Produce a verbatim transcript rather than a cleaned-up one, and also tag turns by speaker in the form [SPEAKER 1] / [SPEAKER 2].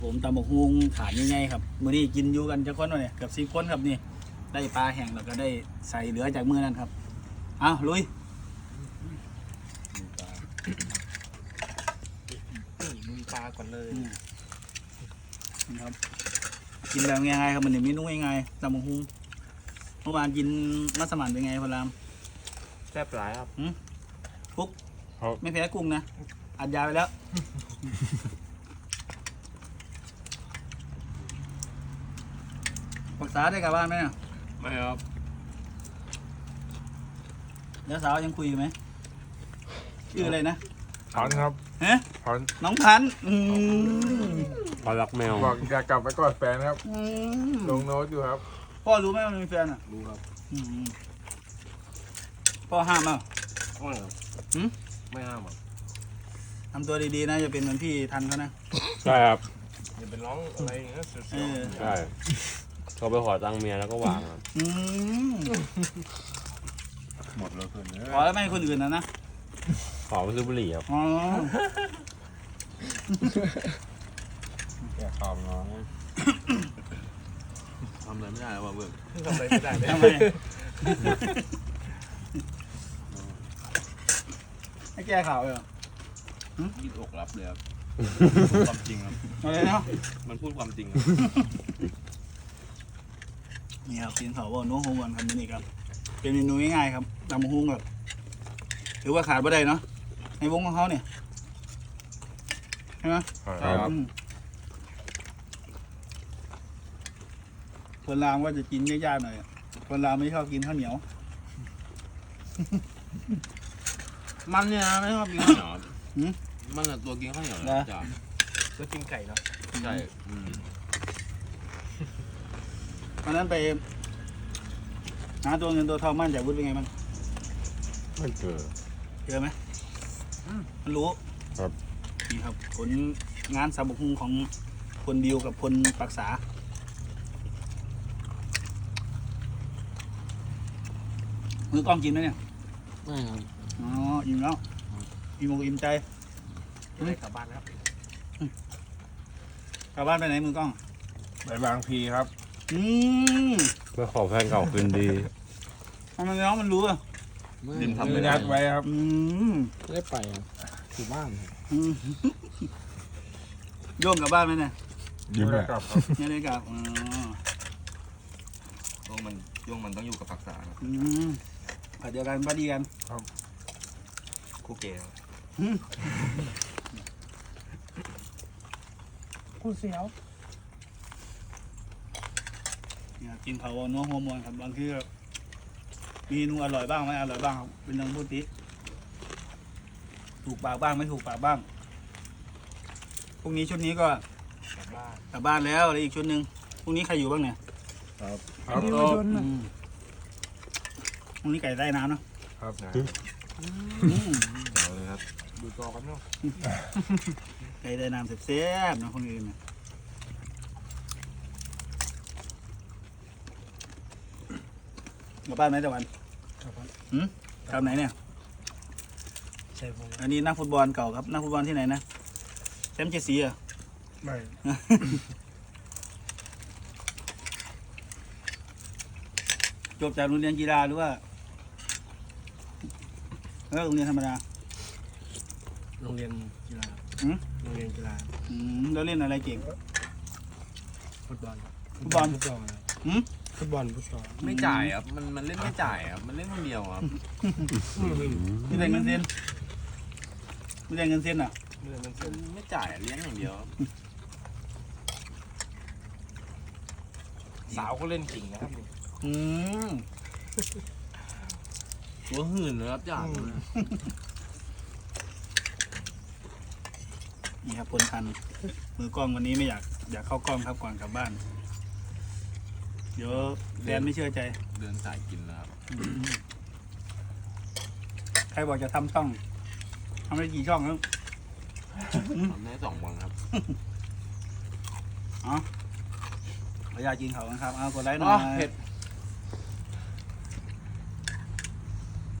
[SPEAKER 1] ผมตำบักฮุงฐานยังไงครับมื้อนี้กินอยู่กันจะคนวะเนี่ยเกือบสิบคนครับนี่ได้ปลาแห้งแล้วก็ได้ใส่เหลือจากมื้อนั้นครับอ้าวลุย
[SPEAKER 2] มึงปลาก่อนเลย
[SPEAKER 1] นี่ครับกินแบบง่ายๆครับมันนี่เมนูง่ายๆตำบักฮุงเมื่อวานกินมัสมั่นเป็นไงพลาม
[SPEAKER 2] แซ่บหลายครับ
[SPEAKER 1] ฟุกไม่แพ้กุ้งนะอัดยาไปแล้วปรึกษาได้กับบ้านไหมเนี่ย
[SPEAKER 2] ไม่ครับ
[SPEAKER 1] แล้วสาวยังคุยอยู่ไหมชื่ออะไรนะ
[SPEAKER 3] พันครับ
[SPEAKER 1] ฮะ
[SPEAKER 3] พัน
[SPEAKER 1] น้องพันธุ์อืม
[SPEAKER 4] ปลาลักแมว
[SPEAKER 3] บอกอยากกลับไปกอดแฟนครับ
[SPEAKER 1] อืม
[SPEAKER 3] ลงโน้ตอยู่ครับ
[SPEAKER 1] พ่อรู้ไหมว่ามันมีแฟนอ่ะ
[SPEAKER 2] รู้ครับ
[SPEAKER 1] อืมพ่อห้ามอ่ะ
[SPEAKER 2] ไม่ครับ
[SPEAKER 1] หืม
[SPEAKER 2] ไม่ห้ามอ่ะ
[SPEAKER 1] ทำตัวดีๆนะอย่าเป็นเหมือนพี่ทันเขานะ
[SPEAKER 4] ใช่ครับ
[SPEAKER 2] อย่าเป็นร้องอะไรอย่างเงี้ยเสี
[SPEAKER 1] เอ
[SPEAKER 2] ยว
[SPEAKER 1] อ
[SPEAKER 4] ใช่เขาไปขอตังค์เมียแล้วก็วางครับ
[SPEAKER 1] อืม
[SPEAKER 3] หมดแล้วคนเนี้ย
[SPEAKER 1] ขอแล้วไม่ให้คนอื่นนะนะ
[SPEAKER 4] ขอไปซื้อบุหรี่ครับ
[SPEAKER 1] อ๋อ
[SPEAKER 3] แกข่าวน้อง
[SPEAKER 2] ทำอะไรไม่ได้แล้วว่ะเบิร์กทำอะไรไม่ได้เลย
[SPEAKER 1] ทำไมให้แก้ข่าวเลยเหรอ
[SPEAKER 2] ยืดอกรับเลยครับความจริงครับ
[SPEAKER 1] อะไรเนาะ
[SPEAKER 2] มันพูดความจริงครับ
[SPEAKER 1] นี่ครับกินเขาบอกโน้ตฮงก่อนครับนี่ครับเป็นเมนูง่ายๆครับตำบักฮุงแบบถือว่าขาดไม่ได้เนาะในวงของเขาเนี่ยใช่ไหม
[SPEAKER 3] ครับ
[SPEAKER 1] อืมคนลาวก็จะกินยากๆหน่อยคนลาวไม่ชอบกินข้าวเหนียว
[SPEAKER 2] มันเนี่ยนะไม่ชอบกินข้าวเหนียวครับ
[SPEAKER 1] หืม
[SPEAKER 2] มันอะตัวกินข้าวเหนียว
[SPEAKER 1] นะ
[SPEAKER 2] นะจ้ะ
[SPEAKER 5] ก็กินไก่เนาะ
[SPEAKER 2] ใช่อืม
[SPEAKER 1] วันนั้นไปหาตัวเงินตัวทองบ้านจากวุฒิเป็นไงบ้าง
[SPEAKER 4] ไม่เจอ
[SPEAKER 1] เจอไหมมันรู้
[SPEAKER 4] ครับ
[SPEAKER 1] นี่ครับผลงานสาบุกฮุงของคนบิวกับคนปรักษามือกล้องกินไหมเนี่ย
[SPEAKER 2] ไม่ครับ
[SPEAKER 1] อ๋ออิ่มแล้วอิ่มอกอิ่มใจ
[SPEAKER 5] จะได้กลับบ้านแล้ว
[SPEAKER 1] กลับบ้านไปไหนมือกล้อง
[SPEAKER 3] ไปบางพีครับ
[SPEAKER 1] อืม
[SPEAKER 4] เพื่อขอแฟนเก่าคืนดี
[SPEAKER 1] ทำไมน้องมันรู้อ่ะ
[SPEAKER 2] ดินทำ
[SPEAKER 3] มื
[SPEAKER 2] ไม่
[SPEAKER 3] อ
[SPEAKER 2] ได้
[SPEAKER 3] นัดไว้ครับ
[SPEAKER 1] อืม
[SPEAKER 5] ไม่ได้ไปอ่ะอยู่บ้าน
[SPEAKER 1] อืมโยมกลับบ้านไหมเนี่ย
[SPEAKER 3] ยิ้มเลยครับ
[SPEAKER 1] ไม่ได้กลับอ๋อ
[SPEAKER 2] ช่วงมันช่วงมันต้องอยู่กับปรักษาครับ
[SPEAKER 1] อืมผัดเดียวกันพอดีกัน
[SPEAKER 2] คู่เกย์ครับ
[SPEAKER 5] กูเสียว
[SPEAKER 1] เนี่ยกินเผาเนื้อหัวมวนครับบางทีก็มีเมนูอร่อยบ้างไม่อร่อยบ้างครับเป็นเรื่องพูดติถูกปากบ้างไม่ถูกปากบ้างพรุ่งนี้ชุดนี้ก็
[SPEAKER 5] กลับบ้าน
[SPEAKER 1] กลับบ้านแล้วแล้วอีกชุดหนึ่งพรุ่งนี้ใครอยู่บ้างเนี่ย
[SPEAKER 3] ครับ
[SPEAKER 5] นี่มาชน
[SPEAKER 1] อืมพรุ่งนี้ไก่ใต้น้ำเนอะ
[SPEAKER 3] ครับ
[SPEAKER 1] อืม
[SPEAKER 2] เอาเลยครับ
[SPEAKER 5] ดูจอกันเนาะ
[SPEAKER 1] ไก่ใต้น้ำเสียบๆนะคนอื่นเนี่ยกลับบ้านไหมตะวัน
[SPEAKER 5] ครับผม
[SPEAKER 1] หืมกลับไหนเนี่ย
[SPEAKER 5] ใช่ผม
[SPEAKER 1] อันนี้นักฟุตบอลเก่าครับนักฟุตบอลที่ไหนนะแชมป์เจดสีเหรอ่ะ
[SPEAKER 5] ไม่
[SPEAKER 1] จบจากโรงเรียนกีฬาหรือว่าเออโรงเรียนธรรมดา
[SPEAKER 5] โรงเรียนกีฬา
[SPEAKER 1] หืม
[SPEAKER 5] โรงเรียนกีฬา
[SPEAKER 1] อืมแล้วเล่นอะไรเก่ง
[SPEAKER 5] ฟุตบอล
[SPEAKER 1] ฟุตบอล
[SPEAKER 5] ฟุตบอล
[SPEAKER 1] หืม
[SPEAKER 5] ฟุตบอลฟุตบอล
[SPEAKER 2] ไม่จ่ายครับมันมันเล่นไม่จ่ายครับมันเล่นคนเดียวครับ
[SPEAKER 1] ไม่ได้เงินเส้นไม่ได้เงินเส้นอ่ะ
[SPEAKER 5] เรื่องมัน
[SPEAKER 2] มันไม่จ่ายอะเลี้ยงอย่างเดียวครับ
[SPEAKER 5] สาวก็เล่นจริงนะครับนี่
[SPEAKER 1] อืม
[SPEAKER 2] ตัวหื่นเลยครับจ่าย
[SPEAKER 1] นี่ครับคนทันมือกล้องวันนี้ไม่อยากอยากเข้ากล้องครับก่อนกลับบ้าน เดี๋ยวแฟนไม่เชื่อใจ
[SPEAKER 2] เดินสายกินแล้วครับ
[SPEAKER 1] ใครบอกจะทำช่องทำได้กี่ช่องแล้ว
[SPEAKER 2] ทำได้สองวันครับ
[SPEAKER 1] ขออนุญาตกินเขากันครับเอากดไลค์หน่
[SPEAKER 2] อ๋
[SPEAKER 1] อ
[SPEAKER 2] อย เผ็ด